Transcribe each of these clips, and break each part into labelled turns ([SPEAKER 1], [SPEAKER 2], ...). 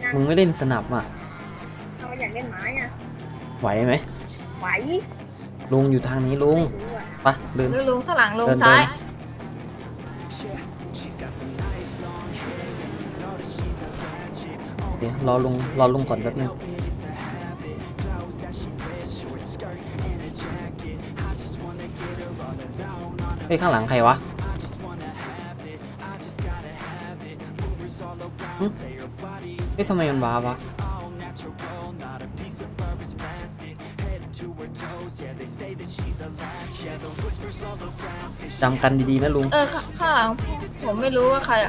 [SPEAKER 1] มึงไม่เล่นสนับอ่ะ
[SPEAKER 2] เราอยากเล่นไม้อ่ะ
[SPEAKER 1] ไหวไหม
[SPEAKER 2] ไหว
[SPEAKER 1] ลุงอยู่ทางนี้ลุงไปเดิน
[SPEAKER 3] ลุงข้างหลังลุงซ้าย
[SPEAKER 1] เดี๋ยวรอลุงก่อนแป๊บนึงเฮ้ยข้างหลังใครวะเฮ้ยทำไมมันว้าวะจำกันดีๆนะลุง
[SPEAKER 3] ข้างหลังผมไม่รู้ว่าใครอ่ะ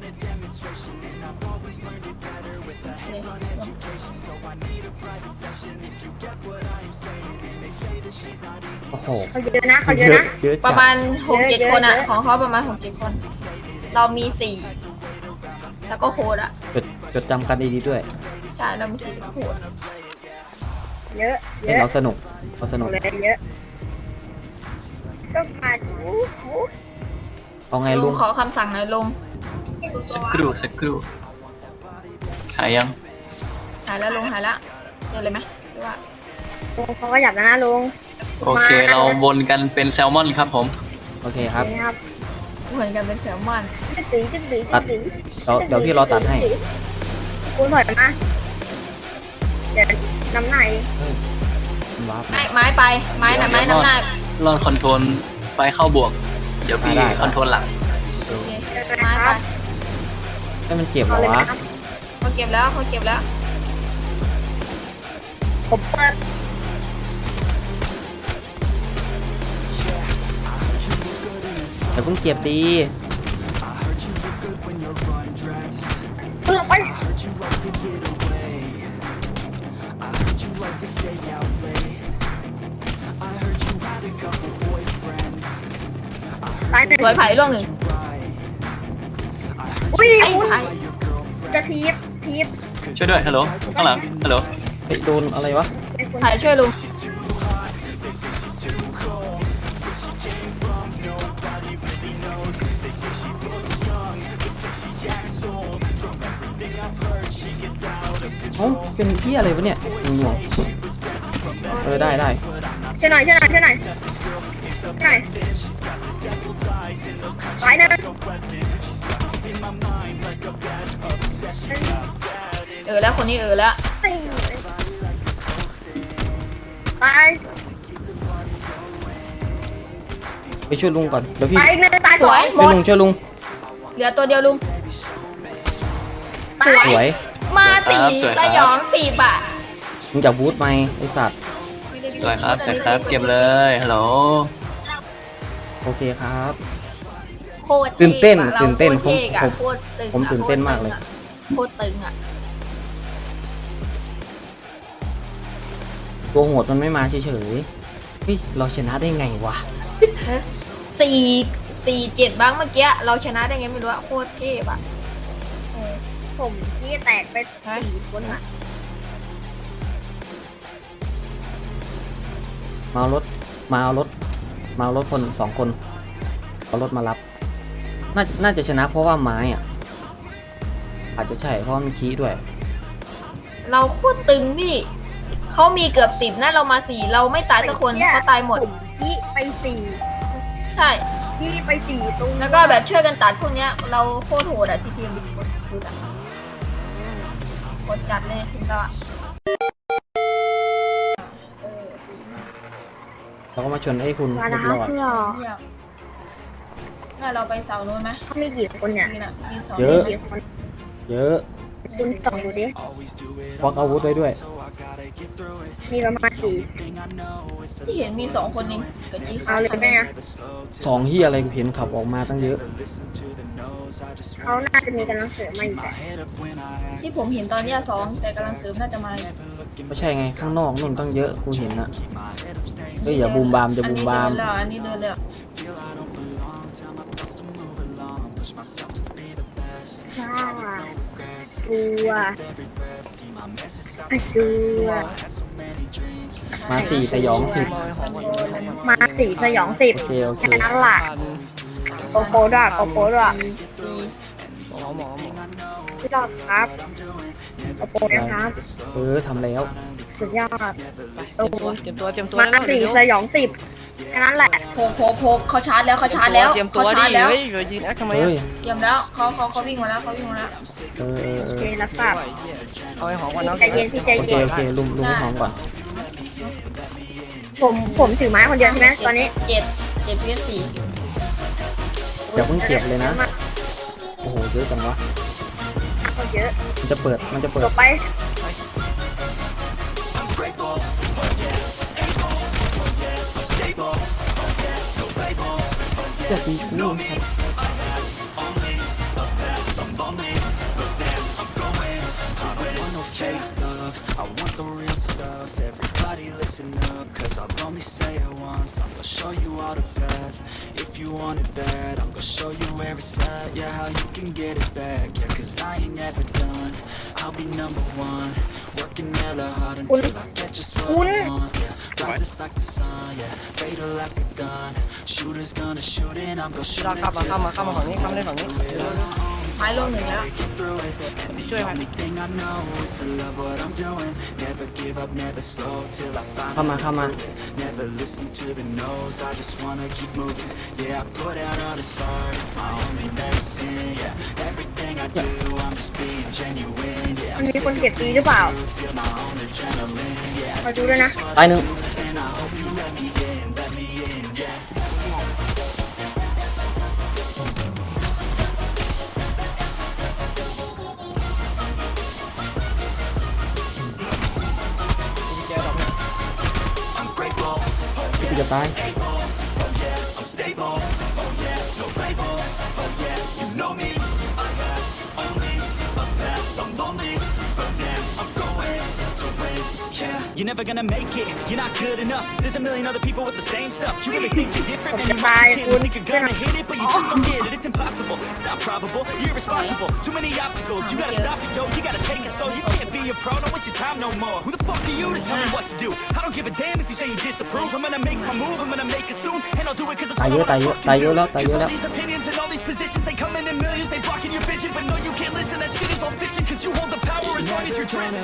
[SPEAKER 1] โอ้โห
[SPEAKER 2] เขาเยอะนะเขาเยอะนะ
[SPEAKER 3] ประมาณ 6-7 คนอ่ะของเขาประมาณ 6-7 คนเรามี4แล้วก็โค้ดอ่ะ
[SPEAKER 1] จดจำกันดีๆด้วย
[SPEAKER 3] ใช่เรามี4โค้ด
[SPEAKER 2] เยอะ
[SPEAKER 1] ให้เราสนุก
[SPEAKER 2] เลยเยอะก็มา
[SPEAKER 1] เอาไงลุง
[SPEAKER 3] ขอคำสั่งหน่อยลุง
[SPEAKER 4] สักครู่หายยัง
[SPEAKER 3] หายแล้วลุงหายแล้วเจอเลยไหมหรือว่า
[SPEAKER 2] ลุงเขาก็หยับนะลุง
[SPEAKER 4] โอเคเราวนกันเป็นแซลมอนครับผม
[SPEAKER 1] โอเคครับ
[SPEAKER 3] เหมือนกันเป็นแซลมอน
[SPEAKER 2] จึ๊ก
[SPEAKER 1] ตัดเดี๋ยวพี่รอตัดให้
[SPEAKER 2] คุณถอยมาเดี๋ยวน้ำไหน
[SPEAKER 3] ไม้ไปไม้น้ำหน้า
[SPEAKER 4] ลอนคอนโทรลไปเข้าบวกเดี๋ยวพี่คอนโทรลหลัง
[SPEAKER 3] ไม้ไป
[SPEAKER 1] ให้มันเก็บเหรอวะ
[SPEAKER 3] เขาเก็บแล้ว
[SPEAKER 2] ผมเปิด
[SPEAKER 1] แต่เพิ่งเก็บดี
[SPEAKER 2] ไป
[SPEAKER 3] สวยไผ่ล่วงหนึ่ง
[SPEAKER 2] อุ้ย
[SPEAKER 3] ไอ้ไผ่
[SPEAKER 2] จะทีบ
[SPEAKER 4] ช่วยด้วยฮัลโหลข้างหลังฮัลโหล
[SPEAKER 1] โดนอะไรวะ
[SPEAKER 3] ไผ่ช่วยลุง
[SPEAKER 1] เอ้าเป็นพี่อะไรวะเนี่ยงงได้
[SPEAKER 2] ช่วยหน่อยไปนะ
[SPEAKER 3] แล้วคนนี้แล้ว
[SPEAKER 1] ไปช่วยลุงก่อนเดี๋ยวพี่
[SPEAKER 2] ไปเลยตายสวย
[SPEAKER 1] ลุงช่วยลุง
[SPEAKER 3] เหลือตัวเดียวลุง
[SPEAKER 1] สวย
[SPEAKER 3] มา4สยอง4 บาท
[SPEAKER 1] มึงจะบูทไหมไอสัตว์
[SPEAKER 4] สวยครับเก็บเลยฮัลโหล
[SPEAKER 1] โอเคครับ
[SPEAKER 3] โคตร
[SPEAKER 1] ตื่นเต้นผม
[SPEAKER 3] ตื่
[SPEAKER 1] นเต้นมากเลย
[SPEAKER 3] โคตรตึงอ่ะ
[SPEAKER 1] ตัวโหดมันไม่มาเฉยๆเฮ้ยเราชนะได้ไงวะ
[SPEAKER 3] 4-7บ้างเมื่อกี้เราชนะได้ไงไม่รู้อะโคตรเทพอะ
[SPEAKER 2] ผมที่แตกไป4 คนอะ
[SPEAKER 1] มาเอารถคน2 คนเอารถมารับน่าจะชนะเพราะว่าไม้อ่ะอาจจะใช่เพราะมีคีย์ด้วย
[SPEAKER 3] เราโคตรตึงพี่เขามีเกือบ10นะเรามา4เราไม่ตายสักคนเขาตายหมด
[SPEAKER 2] ที่ไป4
[SPEAKER 3] ใช่
[SPEAKER 2] ที่ไป4ตรง
[SPEAKER 3] แล้วก็แบบช่วยกันตัดพวกเนี้ยเราโคตรโหดอะทีมคนสุดอะกดจัดเลยถึงเรา
[SPEAKER 1] เราก็มาชนให้คุณ
[SPEAKER 2] รอด
[SPEAKER 3] งั้นเราไปเสาโน้นไหม
[SPEAKER 2] มีกี่คนเนี่ย
[SPEAKER 1] เยอะ
[SPEAKER 2] คุณส่องดูดิ
[SPEAKER 1] ควักอาวุธไว้ด้วย
[SPEAKER 2] มีประมาณ
[SPEAKER 3] 4ที่เห็นมี2 คนเองกับจี
[SPEAKER 2] เอาเลยไหมอะ
[SPEAKER 1] 2เฮียอะไรกูเห็นขับออกมาตั้งเยอะ
[SPEAKER 2] เขาน่าจะมีกำลังเสริมมาอีก
[SPEAKER 3] ที่ผมเห็นตอนนี้2แต่กำลังเสริมน่าจะมา
[SPEAKER 1] ไม่ใช่ไงข้างนอกนู่นตั้งเยอะกูเห็นนะเฮ้ยอย่าบูมบาม
[SPEAKER 3] อันนี้เดินแล้ว
[SPEAKER 1] มา4 สยอง10
[SPEAKER 2] แค่นั้นแหละโกโปด้วยพี่ดอกครับโอโปนะครับ
[SPEAKER 1] ทำแล้ว
[SPEAKER 2] สุดยอด
[SPEAKER 5] เตรียมตัว
[SPEAKER 2] มา
[SPEAKER 5] เร็ว
[SPEAKER 2] สี่
[SPEAKER 5] เร็ว
[SPEAKER 2] สยอง10แค่นั้นแหละ
[SPEAKER 3] โพเขาชาร์จแล้วเขาชาร์จแล้ว
[SPEAKER 5] เตรียมตัว
[SPEAKER 3] เขา
[SPEAKER 5] ดิ
[SPEAKER 3] ชาร์จแล้ว
[SPEAKER 5] เฮ้ยเดี๋ยวยืนแอคทำไม
[SPEAKER 1] เฮ้
[SPEAKER 5] อ่ะ
[SPEAKER 1] ย
[SPEAKER 3] เตรียมแล้วเขาวิ่งมาแล้วเขาวิ่งมาแล้ว
[SPEAKER 2] โอเครับทราบ
[SPEAKER 5] เอาไอ้หอมก่อนน้อง
[SPEAKER 2] ใจเย็นพี่ใจ
[SPEAKER 1] โอเค
[SPEAKER 2] เย็น
[SPEAKER 1] โอเคลุมให้หอมก่อน
[SPEAKER 2] ผมถือไม้คนเดียวใช่ไหมตอนนี้
[SPEAKER 3] 7 PS4
[SPEAKER 1] อย่าเพิ่งเก็บเลยนะ โอ้โหเยอะจังวะ
[SPEAKER 2] คนเยอะ
[SPEAKER 1] มันจะเปิด
[SPEAKER 2] จบไป
[SPEAKER 1] อย่าตีกู
[SPEAKER 6] no fake love, I want the real stuff. Everybody listen up, cause I'll only say it once. I'm gonna show you all the path. If you want it bad, I'm gonna show you where it's at. Yeah, how you can get it back. Yeah, cause I ain't never done. I'll be number one. Working hella hard until I get just what I want. Yeah, rises like the sun. Yeah, fatal like a gun. Shooters gonna shoot and I'm gonna shoot
[SPEAKER 5] เรา
[SPEAKER 6] it
[SPEAKER 5] เข้ามาฝั่งนี้เข้ามาเล่นฝั่งนี้
[SPEAKER 3] ไม้ลงหนึ่งแล้ว
[SPEAKER 6] through it. And the only thing I know is to love what I'm doing. Never give up, never slow till I find
[SPEAKER 1] เข้ามา
[SPEAKER 6] Never listen to the no's, I just wanna keep moving. Yeah, I put out all this art, it's my only medicine. Yeah, everything I do, I'm just being genuine. Yeah,
[SPEAKER 2] มันมีคนเก็บตีหรือเปล่า
[SPEAKER 6] feel my own adrenaline. Yeah,
[SPEAKER 2] มาดูด้วยนะ
[SPEAKER 1] ตายหนึ่ง
[SPEAKER 6] and I hope you let me in, yeah.
[SPEAKER 1] กูจะตาย
[SPEAKER 6] I'm stable, oh yeah, no label, oh yeah, you know me. I have only a path, I'm lonely, but damn, I'm going to win, yeah. You're never gonna make it, you're not good enough. There's a million other people with the same stuff. You really think you're different, man, you must be kidding. Think you're gonna hit it, but you just don't get it. It's impossible, it's not probable, you're irresponsible. Too many obstacles, you gotta stop it, yo. You gotta take it slow, you can't be a pro, don't waste your time no more. Who the fuck are you to tell me what to do? I don't give a damn if you say you disapprove. I'm gonna make my move, I'm gonna make it soon, and I'll do it 'cause it's
[SPEAKER 1] ตายเยอะ
[SPEAKER 6] what I
[SPEAKER 1] ตายเย
[SPEAKER 6] fucking
[SPEAKER 1] อะ
[SPEAKER 6] do.
[SPEAKER 1] ตายเยอะแล้ว
[SPEAKER 6] Cause all these opinions and all these positions, they come in millions, they blocking your vision. But no, you can't listen, that shit is all fiction. Cause you hold the power as long as you're dreaming.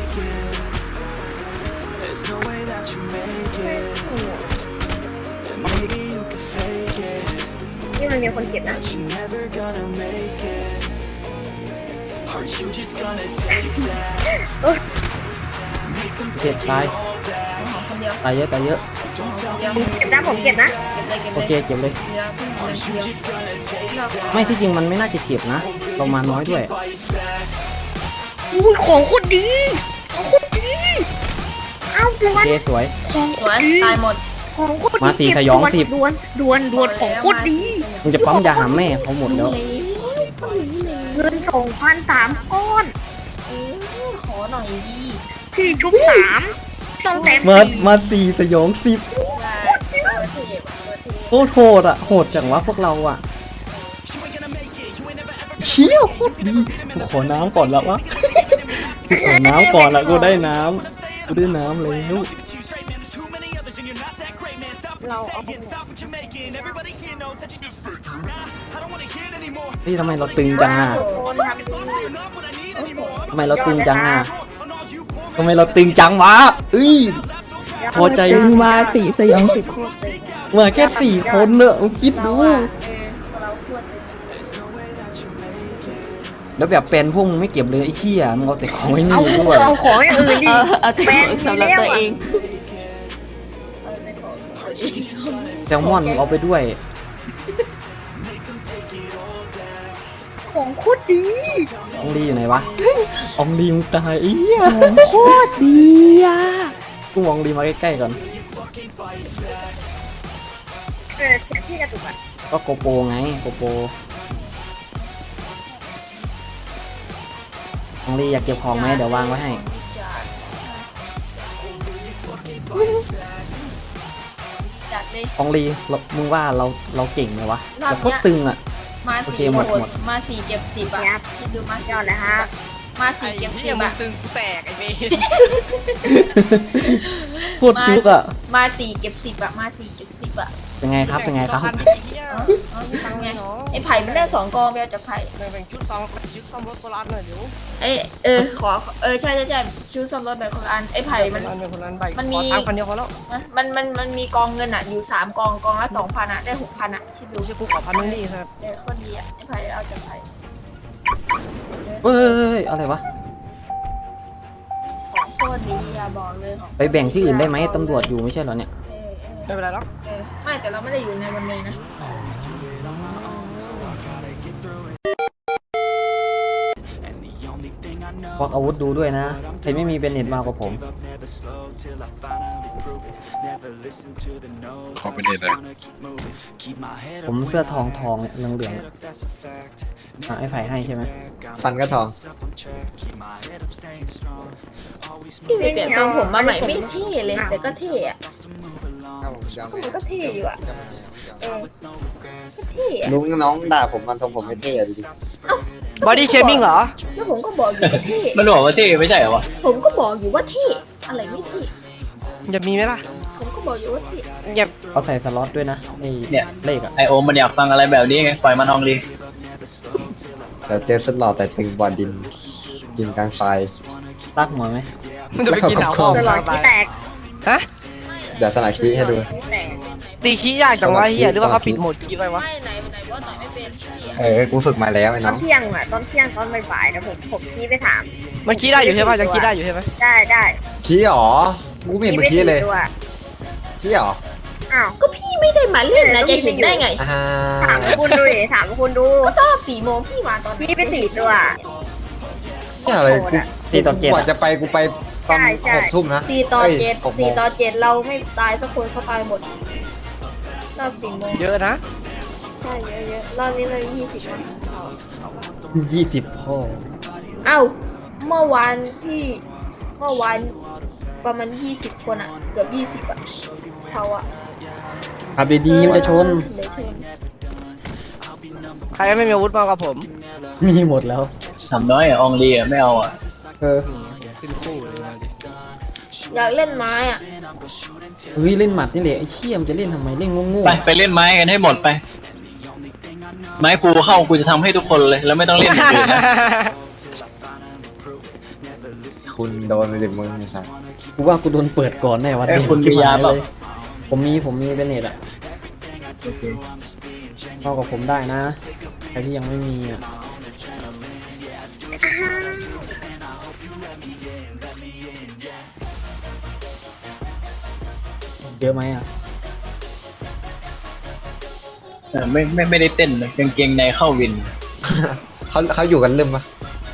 [SPEAKER 6] There's no way that you make it. And maybe you can fake it,
[SPEAKER 2] นี่มันมีคนเก็บนะ
[SPEAKER 6] but you're never gonna make it. Are you just gonna take that?
[SPEAKER 2] เอ้ย
[SPEAKER 6] Make them
[SPEAKER 1] เจ็บ
[SPEAKER 6] take
[SPEAKER 1] ตาย
[SPEAKER 6] it all back.
[SPEAKER 3] หอมคนเดียว
[SPEAKER 1] ตายเยอะ
[SPEAKER 6] Don't tell
[SPEAKER 3] เดียว
[SPEAKER 6] me
[SPEAKER 2] เก็บนะผมเก็บนะ
[SPEAKER 3] เก็บ
[SPEAKER 1] โอ
[SPEAKER 3] เลย
[SPEAKER 1] เคเก็บเลย
[SPEAKER 3] เดียวเพิ่งเดี
[SPEAKER 6] you
[SPEAKER 3] ยว
[SPEAKER 6] just gonna take
[SPEAKER 3] เรา
[SPEAKER 6] that.
[SPEAKER 1] ไม่ที่จริงมันไม่น่าจะเก็บนะเรามาน้อยด้วย
[SPEAKER 6] Fight back.
[SPEAKER 2] อุ้ยของโคตรดีของโคตรดีเอ้าดว
[SPEAKER 1] โอน เคสวย
[SPEAKER 2] ของโค
[SPEAKER 3] สว
[SPEAKER 2] ต
[SPEAKER 3] ย
[SPEAKER 2] รดี
[SPEAKER 3] ตายหมด
[SPEAKER 2] ของโคตรดี
[SPEAKER 1] มาสี่
[SPEAKER 2] เก็บ
[SPEAKER 1] สยอง
[SPEAKER 2] ดวน
[SPEAKER 1] สิบ
[SPEAKER 2] ดวนของโคตรดี
[SPEAKER 1] มึงจะปั๊มยาหาแม่เขาหมดแล้ว
[SPEAKER 2] เงิน2,003ก้อน
[SPEAKER 3] ขอหน่อยดี
[SPEAKER 2] พี่ชุบ3ต้องแต้ม
[SPEAKER 1] มาสี่สยอง10
[SPEAKER 3] ได้เทปเทป
[SPEAKER 1] โคตรโหดอ่ะโหดจังวะพวกเราอ่ะเชี่ยโคตรดีกูขอน้ำก่อนแล้ววะกูขอน้ำก่อนละกูได้น้ำแล้ว
[SPEAKER 2] เราเอา
[SPEAKER 1] นี่ทำไมเราตึงจังอ่ะ
[SPEAKER 2] คนทำดี
[SPEAKER 1] ทำไมเราตึงจังอ่ะทำไมเราตึงจังวะเอ้ยพอใจ
[SPEAKER 7] มาสี่สยองสิบ
[SPEAKER 1] มาแค่4 คนเนอะมึงคิดดู
[SPEAKER 3] เราควร
[SPEAKER 1] แล้วแบบเป็นพวกมึงไม่เก็บเลยไอ้เหี้ยมึงเอาแต่ของไอ้นี่
[SPEAKER 2] เอา
[SPEAKER 1] ด้วย
[SPEAKER 2] เอาของอย่างอื่นดิ
[SPEAKER 7] เอาแต่ของสำหรับตัวเอง
[SPEAKER 3] ในของ
[SPEAKER 1] แซลมอนมึงเอาไปด้วย
[SPEAKER 2] ของโคตรดี
[SPEAKER 1] อองลีอยู่ไหนวะอองลีมึงตายไอ้เหี้ย
[SPEAKER 7] โคตรดีอ่ะ
[SPEAKER 1] กูมองลีมาใกล้ๆก่อน
[SPEAKER 2] เสียงที่กระตุกอ่ะ
[SPEAKER 1] ก็โกโปไงโกโปอองลีอยากเก็บของไหมเดี๋ยววางไว้ให้
[SPEAKER 3] จัดเลย
[SPEAKER 1] อองลีมึงว่าเราเก่งไหมวะ
[SPEAKER 3] รอบเนี้ย
[SPEAKER 1] แต่โคตรตึงอ่ะ
[SPEAKER 3] มา
[SPEAKER 1] โอเค
[SPEAKER 3] สี่
[SPEAKER 1] หมด
[SPEAKER 3] โห
[SPEAKER 1] หม
[SPEAKER 3] ด
[SPEAKER 1] ด
[SPEAKER 3] มาสี่เก็บ10อ่ะคิดดูมาย
[SPEAKER 2] อดเลยครับ
[SPEAKER 3] มาสี่เก็บ
[SPEAKER 5] เหี้ย
[SPEAKER 3] 10
[SPEAKER 5] มึง
[SPEAKER 3] อ่ะ
[SPEAKER 5] ตึงกูแตกไอ้เมย์
[SPEAKER 1] โคตรจุกอ่ะ
[SPEAKER 3] มาสี่เก็บ10อ่ะมาสี่เก็บ10อ่ะ
[SPEAKER 1] ใจเป็นไงครับเป็นไงครับ
[SPEAKER 3] เอามีตังค์ไงไอ้ไผ่มันได้2 กองไปเอาจากไผ่
[SPEAKER 5] แบ่งชุดซ่อมรถโบราณหน่อยเดี๋ยว
[SPEAKER 3] ขอใช่ชื่อซ่อมรถแบบคนละอันไอ้ไผ่มัน
[SPEAKER 5] คนนั้นใบ
[SPEAKER 3] มันมี
[SPEAKER 5] ขอตังค์พันเดียวพอแล้ว
[SPEAKER 3] มันมีกองเงินอ่ะอยู่3 กองกองละ 2,000อ่ะได้ 6,000อ่ะคิดดู
[SPEAKER 5] ดูชื่อกูขอพันนึงดิครับ
[SPEAKER 3] โคตรดีอ่ะไอ้ไผ่เอาจากไผ่
[SPEAKER 1] เอ้ยอะไรวะ
[SPEAKER 3] ของโคตรดีอ่ะบอกเลยของ
[SPEAKER 1] ไปแบ่งที่อื่นได้ไหมตำรวจอยู่ไม่ใช่เหรอเนี่ย
[SPEAKER 5] ไม่เป็นไรหรอก
[SPEAKER 3] ไม่แต่เราไม่ได้อยู่ในวันนี้นะ
[SPEAKER 1] พวกอาวุธดูด้วยนะใครไม่มีเป็นเน็ตมากกว่าผม
[SPEAKER 8] ขอเป็นเด็ดเลย
[SPEAKER 1] ผมเสื้อทองเนี่ยเหลืองๆไอ้ไผ่ให้ใช่ไหม
[SPEAKER 9] ฟันก็ทอง
[SPEAKER 3] ที่ไปเปลี่ยนทรงผมมาใหม่ไม่เท่เลยแต่ก็เท่อะ
[SPEAKER 9] ครับผมยาว
[SPEAKER 3] มันก็เท่อยู่อะก็เท่อะ
[SPEAKER 9] ลุงน้องด่าผมมันทรงผมไม่เท่อะดูดิ
[SPEAKER 5] บอดี้เชมิ่งเหรอ
[SPEAKER 3] แล้วผมก็บอกอยู่ว่าเท่
[SPEAKER 4] มันบอกว่าเท่ไม่ใช่เหรอวะ
[SPEAKER 3] ผมก็บอกอยู่ว่าเท่อะไรไม่เท่
[SPEAKER 5] จะมีไหมล่ะ
[SPEAKER 3] ผมก็บอกอยู่ว่าเท่
[SPEAKER 5] อย่า
[SPEAKER 1] เขาใส่สล็อตด้วยนะไอ้เลขอะ
[SPEAKER 4] ไอโอมมันอยากฟังอะไรแบบนี้ไงปล่อยมันอองลี
[SPEAKER 9] แต่เจอสุดหล่อแต่ตึงบอลดินกลางไฟ
[SPEAKER 1] ลากหัวไหม
[SPEAKER 5] มันจะไปกินหนาวพ่อ
[SPEAKER 2] ตลอดที่แตก
[SPEAKER 5] ฮะ
[SPEAKER 9] เดี๋ยวสลายคีให้ดู
[SPEAKER 2] ที่แตก
[SPEAKER 5] ตีขี้ยากจังวะเฮียหรือว่าเขาปิดโหมดขี้ไปวะ
[SPEAKER 3] ไม่ไหนว่าต่อยไม่เป็นเท่อะ
[SPEAKER 9] กูฝึกมาแล้วไอ้
[SPEAKER 2] ต
[SPEAKER 9] น้
[SPEAKER 2] อ
[SPEAKER 9] อน ง
[SPEAKER 2] เที่ยงอ่ะตอนเที่ยงตอนบ่ายๆนะผมขี้ไปถาม
[SPEAKER 5] มันขี้ได้อยู่ใช่ป่ะยังขี้ได้อยู่ใช่ไหม
[SPEAKER 2] ได้
[SPEAKER 9] คีหรอกูไม่เห็นมึงคีเลย
[SPEAKER 2] ตัว
[SPEAKER 9] คีหรอ
[SPEAKER 2] อ้าว
[SPEAKER 3] ก็พี่ไม่ได้มาเล่นนะจะเห็นได้ไง
[SPEAKER 9] อ่า
[SPEAKER 2] ถามคุณดูดิถามคุณดู
[SPEAKER 3] ก็ตอน4 โมงพี่มาตอน
[SPEAKER 2] พี่ไป4 ตัว
[SPEAKER 9] ที่อะไรกู
[SPEAKER 1] ตีต่อเจ็ด
[SPEAKER 9] กว่าจะไปกูไปตอน
[SPEAKER 2] ใช่
[SPEAKER 9] 6 ทุ่มนะ
[SPEAKER 3] 4 ต่อ
[SPEAKER 9] เอ้ย
[SPEAKER 3] 7
[SPEAKER 9] 6 โมง
[SPEAKER 3] 4 ต่อ 7เราไม่ตายสักคนเขาตายหมดรอบ4 โมง
[SPEAKER 5] เยอะนะ
[SPEAKER 3] ใช่เยอะๆรอบนี้เรา20นะ
[SPEAKER 1] 20พ่อ
[SPEAKER 3] เอ้าเมื่อวานประมาณ20 คนอ่ะเกือบ20อ่ะเขาอ่ะ
[SPEAKER 1] ขับดีๆมันจะชน
[SPEAKER 3] เดี๋ยวชน
[SPEAKER 5] ใครไม่มีอาวุธมากกว่าผม
[SPEAKER 1] มีหมดแล้ว
[SPEAKER 4] ทำน้อยอ่ะอองลีอ่ะไม่เอาอ่ะ
[SPEAKER 1] เออ
[SPEAKER 3] อยากเล่นไม้อ่ะ
[SPEAKER 1] เฮ้ยเล่นหมัดนี่แหละไอ้เชี่ยมนจะเล่นทำไมเล่นโง่
[SPEAKER 4] ไปเล่นไม้กันให้หมดไป ไม้กูเข้ากูจะทำให้ทุกคนเลยแล้วไม่ต้องเล่นอย่างอื่นนะ
[SPEAKER 9] คุณโดนไปดิมึงไอ้สัส
[SPEAKER 1] กูว่ากูโดนเปิดก่อนแน่วัน
[SPEAKER 4] ไอ้
[SPEAKER 1] นี้
[SPEAKER 4] คุณมียาเปล่า
[SPEAKER 1] ผมมีเป็นเน็ตอะเข้ากับผมได้นะใครที่ยังไม่มีอะเยอะไหมอะ
[SPEAKER 4] ไม่ได้เต้นเลยกางเกงในเข้าวิน
[SPEAKER 9] เขาอยู่กันลืมปะ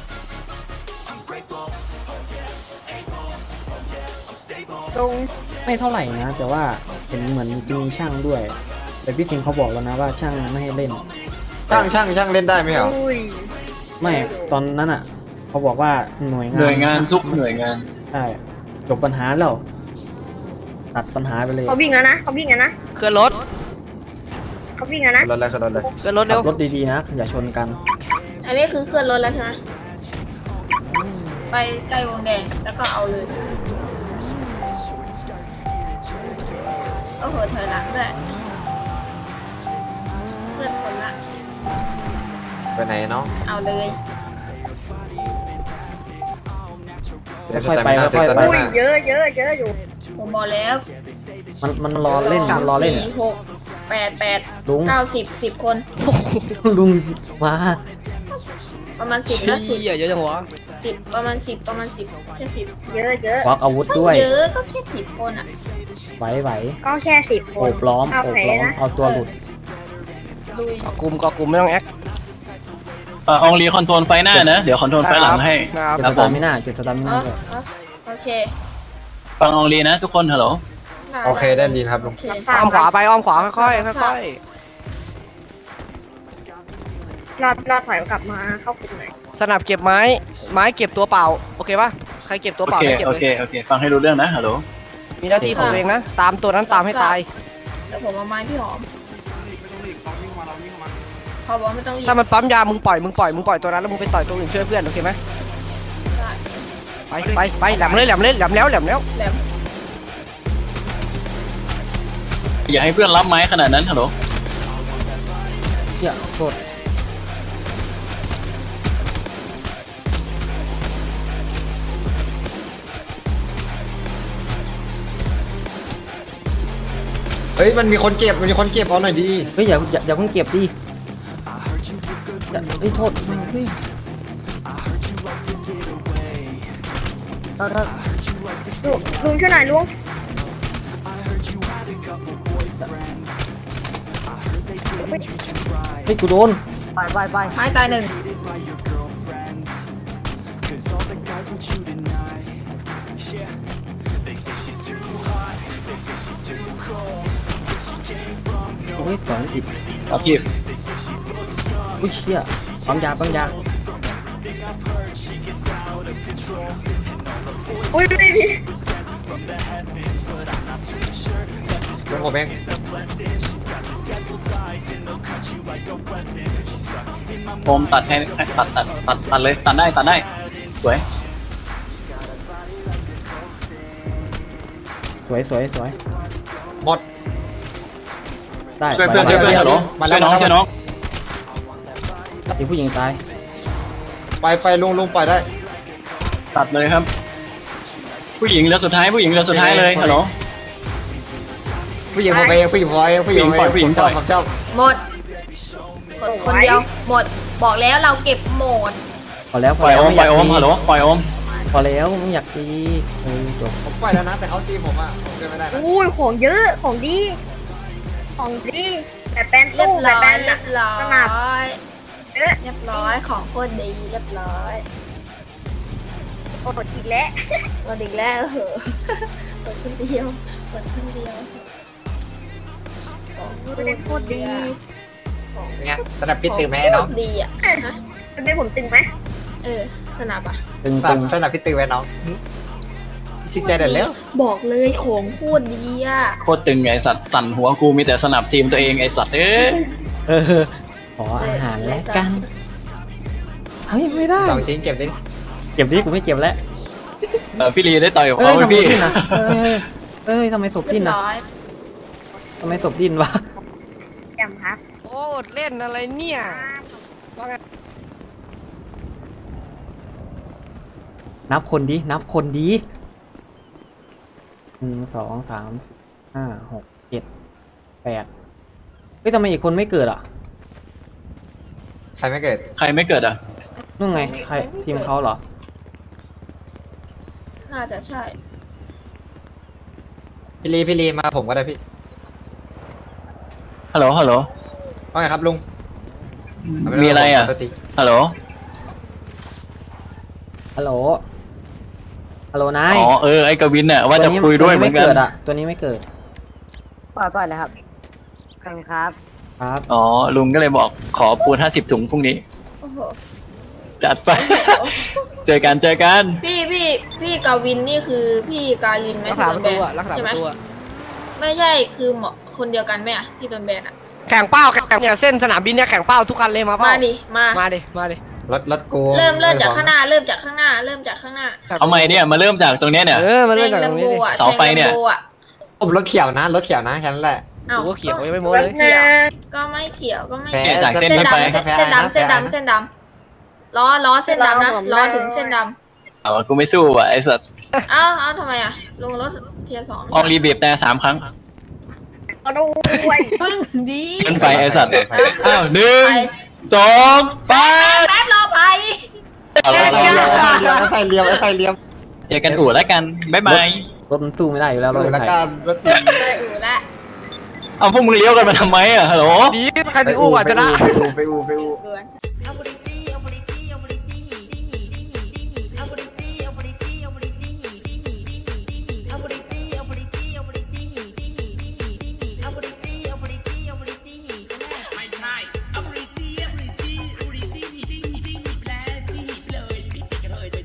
[SPEAKER 2] ลง
[SPEAKER 1] ไม่เท่าไหร่นะ แต่ว่าเห็นเหมือนจะมีช่างด้วย แต่พี่สิงห์เขาบอกแล้วนะว่าช่างไม่ให้เล่น
[SPEAKER 9] ช่างเล่นได้ไหมเหรอ
[SPEAKER 2] อุ้ย
[SPEAKER 1] ไม่ตอนนั้นอ่ะเขาบอกว่าหน่วยงาน
[SPEAKER 4] หน่วยงานทุกหน่วยงาน
[SPEAKER 1] ใช่จบปัญหาแล้วตัดปัญหาไปเลย
[SPEAKER 2] เขาวิ่งแล้วนะ
[SPEAKER 5] เคลื่อนรถ
[SPEAKER 2] เขาวิ่งแล้วนะ
[SPEAKER 9] รถเลยคือรถเลย
[SPEAKER 5] เคลื่อนรถ
[SPEAKER 1] ขั
[SPEAKER 5] เร็ว
[SPEAKER 1] บรถดีๆนะอย่าชนกัน
[SPEAKER 3] อันนี้คือเคลื่อนรถแล้วใช่ไหมไปใกล้วงแดงแล้วก็เอาเลยโอ้โหถอยหลังด้วยเคลื่อนคนละ
[SPEAKER 9] ไปไหนเนาะ
[SPEAKER 3] เอาเลย
[SPEAKER 9] เจอสแตมิน่าเจอสแตมิ
[SPEAKER 2] อุ้ย
[SPEAKER 9] น่า
[SPEAKER 2] เยอะอยู่
[SPEAKER 3] ผมบอกแล้ว
[SPEAKER 1] มันรอเล่นมันรอเล่น
[SPEAKER 3] 4 6 8
[SPEAKER 1] ลุง
[SPEAKER 3] 9 10 คน
[SPEAKER 1] ลุงมา
[SPEAKER 3] ประมาณ10นะ
[SPEAKER 5] เฮียเยอะจังวะ
[SPEAKER 3] 10ประมาณ10แค่10
[SPEAKER 2] เยอะ
[SPEAKER 1] ควักอาวุธ
[SPEAKER 3] ไม่
[SPEAKER 1] ด้วย
[SPEAKER 3] เยอะก็แค่10 คนอ่ะ
[SPEAKER 1] ไหว
[SPEAKER 2] ก็แค่10 ค
[SPEAKER 1] โอน บล้อม
[SPEAKER 2] เอา
[SPEAKER 1] โอบ
[SPEAKER 2] แผล
[SPEAKER 1] ล้อม
[SPEAKER 2] นะ
[SPEAKER 1] เอาตัวหลุด
[SPEAKER 3] ลุย
[SPEAKER 5] ก็กลุ่มไม่ต้องแอค
[SPEAKER 4] อองลีคอนโทรลไฟหน้านะ เดี๋ยวคอนโทรลไฟหลังให้
[SPEAKER 5] ครับ
[SPEAKER 1] เก็บ
[SPEAKER 4] ครั
[SPEAKER 1] ส
[SPEAKER 4] บผ
[SPEAKER 1] ตาม มิน่าเก็บสตามิน่า
[SPEAKER 3] อ๋อ
[SPEAKER 1] เลย
[SPEAKER 3] อ๋อโอเค
[SPEAKER 4] ฟังอองลีนะทุกคนฮัลโหล
[SPEAKER 9] โอเคได้ดีครับลุง
[SPEAKER 3] โอเค
[SPEAKER 5] อ้อมขวาไปอ้อมขวาค่อยๆค่อย
[SPEAKER 2] รอดถอยกลับมาเข้ากลุ่มหน่อย
[SPEAKER 5] ๆสนับเก็บไม้เก็บตัวเปล่าโอเคป่ะใครเก็บตัว
[SPEAKER 4] โอ
[SPEAKER 5] เปล่า
[SPEAKER 4] เค
[SPEAKER 5] ได้เก็บ
[SPEAKER 4] โอ
[SPEAKER 5] เล
[SPEAKER 4] เค
[SPEAKER 5] ย
[SPEAKER 4] โอเคฟังให้รู้เรื่องนะฮัลโหล
[SPEAKER 5] มีหน้าที่ของตัวเองนะตามตัวนั้นตามให้ตาย
[SPEAKER 3] แล้วผมเอาไม้พี่หอมเขาบอกไม่ต้องรีบ
[SPEAKER 5] ถ้ามันปั๊มยามึงปล่อยตัวนั้นแล้วมึงไปต่อยตัวอื่นช่วยเพื่อนโอเคไหม
[SPEAKER 3] ได้
[SPEAKER 5] ไปแหลมเลยแหลมแล้ว
[SPEAKER 3] แหลม
[SPEAKER 4] อย่าให้เพื่อนรับไม้ขนาดนั้นฮัลโหล
[SPEAKER 1] เชี่ยโทษ
[SPEAKER 9] เฮ้ยมันมีคนเก็บเอาหน่อยดี
[SPEAKER 1] เฮ้ยอย่าเพิ่งเก็บดิเฮ้ยโทษเฮ้ย
[SPEAKER 2] ลุงช่วยหน่อยลุง
[SPEAKER 1] เฮ้ยกูโดน
[SPEAKER 3] ไม้ตายหนึ่ง
[SPEAKER 1] เฮ้ยสองอิบ
[SPEAKER 4] เอาทีบ
[SPEAKER 1] อุ้ยเชี่ยปั๊มยา
[SPEAKER 2] อุ้ยพี่
[SPEAKER 9] ลุงผมเอง
[SPEAKER 4] ผมตัดให้ตัดเลยตัดได้สวย
[SPEAKER 1] สวย
[SPEAKER 9] หมด
[SPEAKER 1] ได้
[SPEAKER 4] ช่วยเพื่อน
[SPEAKER 1] ไป
[SPEAKER 4] ช่วยเพื่อนฮัลโหล
[SPEAKER 9] มาแล้ว
[SPEAKER 4] ช่วยน้อง
[SPEAKER 1] มีผู้หญิงตาย
[SPEAKER 9] ไปลุงปล่อยได้
[SPEAKER 4] ตัดเลยครับ ผู้หญิงเหลือสุดท้ายเลยฮัลโหล
[SPEAKER 9] ผู้หญิงผมเองผมชอบ
[SPEAKER 3] หมดคนเดียวหมดบอกแล้วเราเก็บหมด
[SPEAKER 1] พอแล้ว
[SPEAKER 4] ปล่อยโอม
[SPEAKER 1] ไม่ากตี
[SPEAKER 4] ฮัลโหลปล่อยโอม
[SPEAKER 1] พอแล้วไม่อยากตีจบ
[SPEAKER 9] ผมปล่อยแล้วนะแต่เขาตีผมอ่ะผมช่วยไม่ได้นะ
[SPEAKER 2] อุ้ยของเยอะของดีแต่แป้น
[SPEAKER 3] เรีย
[SPEAKER 2] ตู้
[SPEAKER 3] บ
[SPEAKER 2] แต่
[SPEAKER 3] ร้อ
[SPEAKER 2] แป้
[SPEAKER 3] ย
[SPEAKER 2] น
[SPEAKER 3] เรียบร้อ
[SPEAKER 2] สนับ
[SPEAKER 3] ย
[SPEAKER 2] เยอะ
[SPEAKER 3] เรียบร้อยของโคตรดีเรียบร้อย
[SPEAKER 2] โอ้อีกแล้ว
[SPEAKER 3] วันอีกแล้วเหอะเปิดคนเดียว
[SPEAKER 2] ไม่ได้โคตรดี
[SPEAKER 9] เป็นไงสนับพิษตึงไหมไอ้น้อง
[SPEAKER 3] โคตรดีอ่ะฮะ
[SPEAKER 2] จะเป็นผมตึงไหม
[SPEAKER 3] สนับอ่ะ
[SPEAKER 1] ตึง
[SPEAKER 9] สนับพิษตึงไหมน้องชื่นใจเด็ดแล้ว
[SPEAKER 3] บอกเลยของโคตรดีอ่ะ
[SPEAKER 4] โคตรตึงไงสัตว์สั่นหัวกูมีแต่สนับทีมตัวเองไอสัตว์
[SPEAKER 1] ขออาหารแล้วกันเฮ้ยไม่ได้
[SPEAKER 9] 2 ชิ้นเก็บดิ
[SPEAKER 1] เก็บดิกูไม่เก็บแล้ว
[SPEAKER 4] พี่ลีได้ต่อยกับ
[SPEAKER 1] เอ้
[SPEAKER 4] เขา
[SPEAKER 1] ย
[SPEAKER 4] ไหม
[SPEAKER 1] ทำไม
[SPEAKER 4] พี่
[SPEAKER 1] ดิ้นนะเอ้ยทำไมศพ
[SPEAKER 3] เรี
[SPEAKER 1] ดิ้
[SPEAKER 3] ย
[SPEAKER 1] น
[SPEAKER 3] บ
[SPEAKER 1] นะ
[SPEAKER 3] ร้อย
[SPEAKER 1] ทำไมศพดิ้นวะ
[SPEAKER 2] จำครับ
[SPEAKER 5] โอ้เล่นอะไรเนี่ยว่าไง
[SPEAKER 1] นับคนดี1 2 3 4 5 6 7 8เฮ้ยทำไมอีกคนไม่เกิดอ่ะ
[SPEAKER 9] ใครไม่เกิด
[SPEAKER 4] ใครไม่เกิดอ่ะ
[SPEAKER 1] นู่นไงใครทีมเขาเหรอ
[SPEAKER 3] น่าจะใช่
[SPEAKER 9] พี่ลีมาผมก็ได้พี่
[SPEAKER 4] ฮัลโหล
[SPEAKER 9] ว่าไงครับลุง
[SPEAKER 4] มีอะไรอ่ะ
[SPEAKER 9] ปกติ
[SPEAKER 4] ฮัลโหล
[SPEAKER 1] ฮัลโหลนาย
[SPEAKER 4] อ๋อไอ้กวินน่ะว่าจะคุยด้วยเหมือนกัน
[SPEAKER 1] ตัวนี้ไม่เกิด
[SPEAKER 8] ปล่อยเลยครับขอบคุณครับ
[SPEAKER 1] ครับ
[SPEAKER 4] อ๋อลุงก็เลยบอกขอปูน50 ถุงพรุ่งนี้
[SPEAKER 3] โอ้โห
[SPEAKER 4] จัดไป เจอกัน
[SPEAKER 3] พี่กาวินนี่คือพี่กาลินไหม
[SPEAKER 5] รักษา
[SPEAKER 3] ที่
[SPEAKER 5] ป
[SPEAKER 3] โด
[SPEAKER 5] ระ
[SPEAKER 3] นแบน
[SPEAKER 5] ตูอะรักษา
[SPEAKER 3] ใช่
[SPEAKER 5] ป
[SPEAKER 3] ไหม
[SPEAKER 5] ระตูอะ
[SPEAKER 3] ไม่ใช่คือหมอคนเดียวกันไหมอะที่โดนแบนอะ
[SPEAKER 5] แข่งเป้าเนี่ยเส้นสนามบินเนี่ยแข่งเป้าทุกคันเลยมาเป้า
[SPEAKER 3] มาดิมา
[SPEAKER 5] มาดิ
[SPEAKER 9] รถกู
[SPEAKER 3] เริ่มจากข้างหน้า เริ่มจากข้างหน้า
[SPEAKER 4] เอาใหม่เนี่ยมาเริ่มจากตรงเนี้ยเนี่ย
[SPEAKER 5] มา
[SPEAKER 3] แซ
[SPEAKER 5] เล่น
[SPEAKER 3] ง
[SPEAKER 5] จาก
[SPEAKER 3] แล
[SPEAKER 5] ตร
[SPEAKER 3] ม
[SPEAKER 5] ง
[SPEAKER 3] โบ
[SPEAKER 5] นี้ดิ
[SPEAKER 3] อะ
[SPEAKER 4] เสาไฟเนี่ย
[SPEAKER 3] แซง Lambo อะ
[SPEAKER 9] ผมรถเขียวนะแค่นั้นแหละ
[SPEAKER 3] อ้าว
[SPEAKER 5] กูก็เขียวยังไม่โม้เลย
[SPEAKER 3] ก็ไม่เกี่ยวก็ไม่
[SPEAKER 9] แพ้
[SPEAKER 3] เกี่ยว
[SPEAKER 4] จากเส้น
[SPEAKER 3] เส้น
[SPEAKER 4] ไป
[SPEAKER 3] ดำเส้นดำเส้นดำล้อเส้นดำนะล้อถึงเส้นดำ
[SPEAKER 4] เอากูไม่สู้ว่ะไอ้สัตว์
[SPEAKER 3] เอ้าทำไมอะลงรถเทียร์สอง
[SPEAKER 4] ออกรีบีบแต่3 ครั้ง
[SPEAKER 2] เอาด้วย
[SPEAKER 3] พึ่งดี
[SPEAKER 4] เกินไปไอ้สัตว์
[SPEAKER 9] ไป
[SPEAKER 4] อ้าว
[SPEAKER 3] ไป
[SPEAKER 4] 1 2
[SPEAKER 3] แป๊บรอไป
[SPEAKER 4] เอาละ
[SPEAKER 9] ไอ้ไฟเลี้ยม
[SPEAKER 4] เจอกันอู่แล้วกันบ๊ายบาย
[SPEAKER 1] รถมันสู้ไม่ได้อยู่แล้วรถ
[SPEAKER 9] ดู
[SPEAKER 1] ไฟ
[SPEAKER 9] แล้วกันรถติด
[SPEAKER 3] เลยอู่ละ
[SPEAKER 4] เอาพวกมึงเลี้ยวกันมาทำไมอ่ะฮัลโหล
[SPEAKER 5] ดีใครถึงอู้อ่ะชนะ
[SPEAKER 9] ไปอู
[SPEAKER 3] เดือน